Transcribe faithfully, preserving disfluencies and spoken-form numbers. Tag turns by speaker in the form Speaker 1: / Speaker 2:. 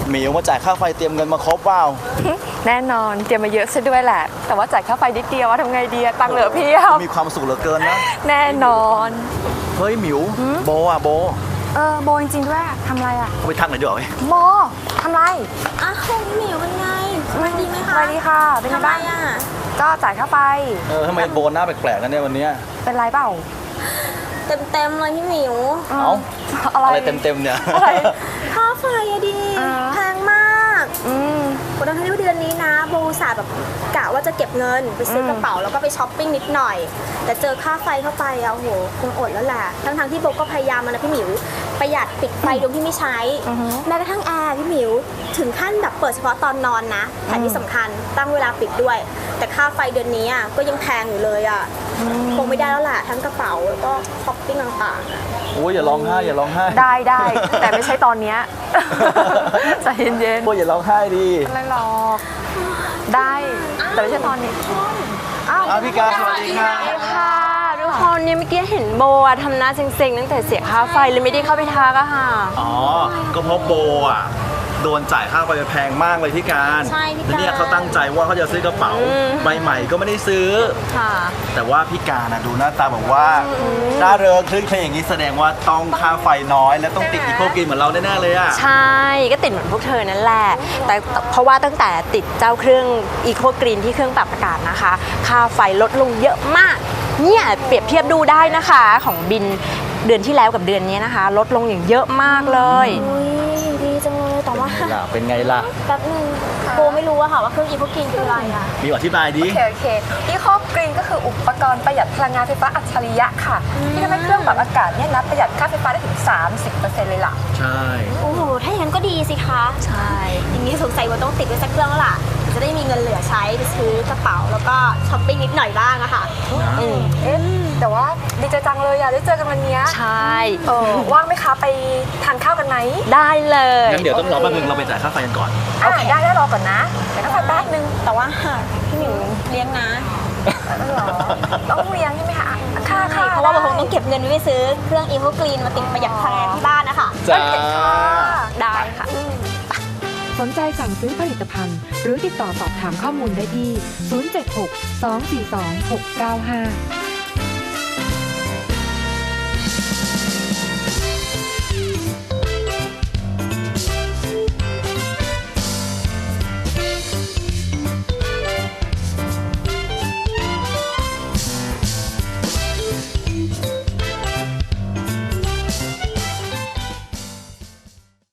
Speaker 1: หมิวมาจ่ายค่าไฟเตรียมเงินมาครบเปล่า
Speaker 2: แน่นอนเตรียมมาเยอะซะด้วยแหละ แต่ว่าจ่ายค่าไฟนิดเดียวว่าทำไงดีอะตังค์เหลือเพียบ
Speaker 1: มีความสุขเหลือเกินนะ
Speaker 2: แน่นอน
Speaker 1: เฮ้ยหมิวโบอ่ะโบ
Speaker 2: เออโบจริงๆด้วยทำอะไรอะ
Speaker 1: เขาไปทักหน่อยดีกว่าไหม
Speaker 2: โบทำไร
Speaker 3: อ้าวพี่หมิวเป็นไงสบายดีไหม
Speaker 2: ส
Speaker 3: คะ
Speaker 2: วัสดีค่ะเป็นไง
Speaker 3: ทำไม
Speaker 2: บ้าง
Speaker 3: อ่ะ
Speaker 2: ก็จ่ายค่าไฟ
Speaker 1: เออทำไมโบหน้าแปลกๆกันเนี่ยวันเนี้ย
Speaker 2: เป็นไรเปล่า
Speaker 3: เต็มเต็มๆเลยพี่หมิว
Speaker 1: เอ้า
Speaker 2: อะไร
Speaker 1: อะไรเต็มๆเนี่ย
Speaker 2: อะไร
Speaker 3: ค่าไฟอะดี
Speaker 2: อ่า
Speaker 3: แพงมาก
Speaker 2: อืม
Speaker 3: วันนั้นที่เดือนนี้นะโบอุตสาห์แบบกะว่าจะเก็บเงินไปซื้อกระเป๋าแล้วก็ไปช้อปปิ้งนิดหน่อย แต่เจอค่าไฟเข้าไปอะโอ้โหคงอดแล้วแหละทั้งๆที่โบก็พยายามมานะพี่หมิวประหยัดปิดไฟดวงที่ไม่ใช้
Speaker 2: อือฮึ
Speaker 3: แม้กระทั่งแอร์พี่หมิวถึงขั้นแบบเปิดเฉพาะตอนนอนนะแถมที่สำคัญตั้งเวลาปิดด้วย แต่ค่าไฟเดือนนี้อะก็ยังแพงอยู่เลยอะคงไม่ได้แล้วแหละทั้งกระเป๋าแล้วก็ช้อปปิ้งต่างๆอะ
Speaker 1: โอ้ยอย่าร้องไห้อย่าร้องไห้
Speaker 2: ได้ได้แต่ไม่ใช่ตอนเนี้ย ใจเย็น
Speaker 1: โบอย่าร้องไห้ดิ
Speaker 2: ๆอะไรหรอกได้แต่ไม่ใช่ตอนนี้อ้าว
Speaker 1: อ้าวพี่การสวัสดีค่ะ
Speaker 4: ค่ะทุกคนเนี่ยเมื่อกี้เห็นโบอะทำหน้าเซ็งๆตั้งแต่เสียค่าไฟเลยไม่ได้เข้าไปทักอะค่ะ
Speaker 1: อ๋อก็เพราะโบอ่ะโดนจ่ายค่าไฟไปแพงมากเลยพี่การ
Speaker 3: ใช่พี่การ
Speaker 1: แล้วเนี่ยเขาตั้งใจว่าเขาจะซื้อกระเป๋าใบใหม่ก็ไม่ได้ซื้อ
Speaker 4: ค่ะ
Speaker 1: แต่ว่าพี่การนะดูหน้าตาแบบว่าร่าเริงคลึ้นเครงอย่างนี้แสดงว่าต้องค่าไฟน้อย และต้องติดอีโคกินเหมือนเราแน่ๆเลยอ่ะ
Speaker 4: ใช่ก็ติดเหมือนพวกเธอนั่นแหละ แต่เพราะว่าตั้งแต่ติดเจ้าเครื่องอีโคกรีนที่เครื่องปรับอากาศนะคะ ค่าไฟลดลงเยอะมาก เนี่ยเปรียบเทียบดูได้นะคะของบินเดือนที่แล้วกับเดือนนี้นะคะ ลดลงอย่างเยอะมากเลย
Speaker 3: อุ้ยดีจังเลยแต่ว่า
Speaker 1: ล่ะเป็นไงล่ะ
Speaker 3: แป๊บนึงโบไม่รู้อะค่ะว่าเครื่องอีโคกินคืออะไรอะ
Speaker 1: มีอธิบายดิ
Speaker 2: โอเคโอเคยี่ห้อกรีนก็คืออุปกรณ์ประหยัดพลังงานไฟฟ้าอัจฉริยะค่ะ ที่ทำให้เครื่องปรับอากาศเนี่ยนะประหยัดค่าไฟฟ้าได้ถึง สามสิบเปอร์เซ็นต์ เลยล่ะ
Speaker 1: ใช่
Speaker 3: โอ้โหถ้าอย่างนั้นก็ดีสิคะ
Speaker 4: ใช่
Speaker 3: อย่างนี้สงสัยว่าต้องติดไว้สักเครื่องแล้วล่ะจะได้มีเงินเหลือใช้ไปซื้อกระเป๋าแล้วก็ช้อปปิ้งนิดหน่อยบ้างอะค่ะ
Speaker 4: อืม
Speaker 2: เอ๊ะแต่ว่าดีใจจังเลยอ่ะได้เจอกันวันเนี้ย
Speaker 4: ใช่
Speaker 2: เออว่างไหมคะไปทานข้าวกันไหม
Speaker 4: ได้เลย
Speaker 1: งั้นเดี๋ยวต้องรอแป๊บนึงเราไปจ่ายค่าไฟกันก่อน
Speaker 2: อ่ะได้ได้รอก่อนนะเดี๋ยวต้องไปแป๊บนึง
Speaker 3: แต่ว่าพี่หมิวเลี้ยงนะ
Speaker 2: เหรอต้องเลี้ยงใช่ไหมคะค่าค่า
Speaker 3: เพราะว่าเราคงต้องเก็บเงินไว้ไปซื้อเครื่องอีโคกรีนมาติดประหยัดพลังงานที่บ้านนะคะ
Speaker 1: จ้า
Speaker 4: ได้ค่ะ
Speaker 5: สนใจสั่งซื้อผลิตภัณฑ์ หรือติดต่อสอบถามข้อมูลได้ที่ ศูนย์ เจ็ด หก สอง สี่ สอง หก เก้า ห้า